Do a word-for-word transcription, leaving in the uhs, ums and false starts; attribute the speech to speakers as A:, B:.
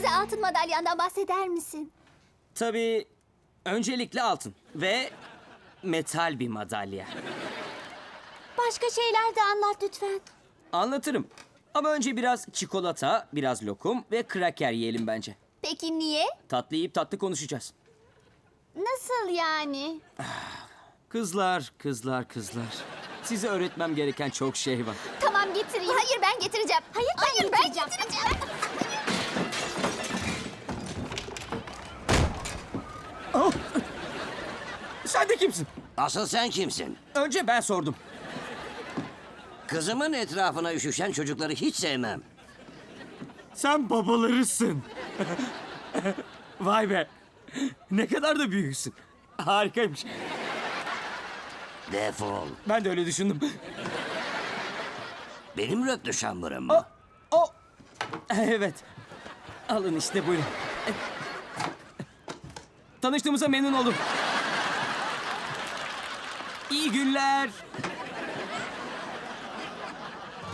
A: Bize altın madalyandan bahseder misin?
B: Tabii öncelikle altın ve metal bir madalya.
A: Başka şeyler de anlat lütfen.
B: Anlatırım. Ama önce biraz çikolata, biraz lokum ve kraker yiyelim bence.
A: Peki niye?
B: Tatlı yiyip tatlı konuşacağız.
A: Nasıl yani?
B: Kızlar, kızlar, kızlar. Size öğretmem gereken çok şey var.
A: Tamam getireyim. Hayır ben getireceğim. Hayır ben Hayır, getireceğim. Ben getireceğim.
B: Oh! Sen de kimsin?
C: Asıl sen kimsin?
B: Önce ben sordum.
C: Kızımın etrafına üşüşen çocukları hiç sevmem.
B: Sen babalarısın. Vay be. Ne kadar da büyüksün. Harikaymış.
C: Defol.
B: Ben de öyle düşündüm.
C: Benim röptü şambırım
B: O,
C: mı?
B: o. Evet. Alın işte buyurun. Tanıştığımıza memnun oldum. İyi günler.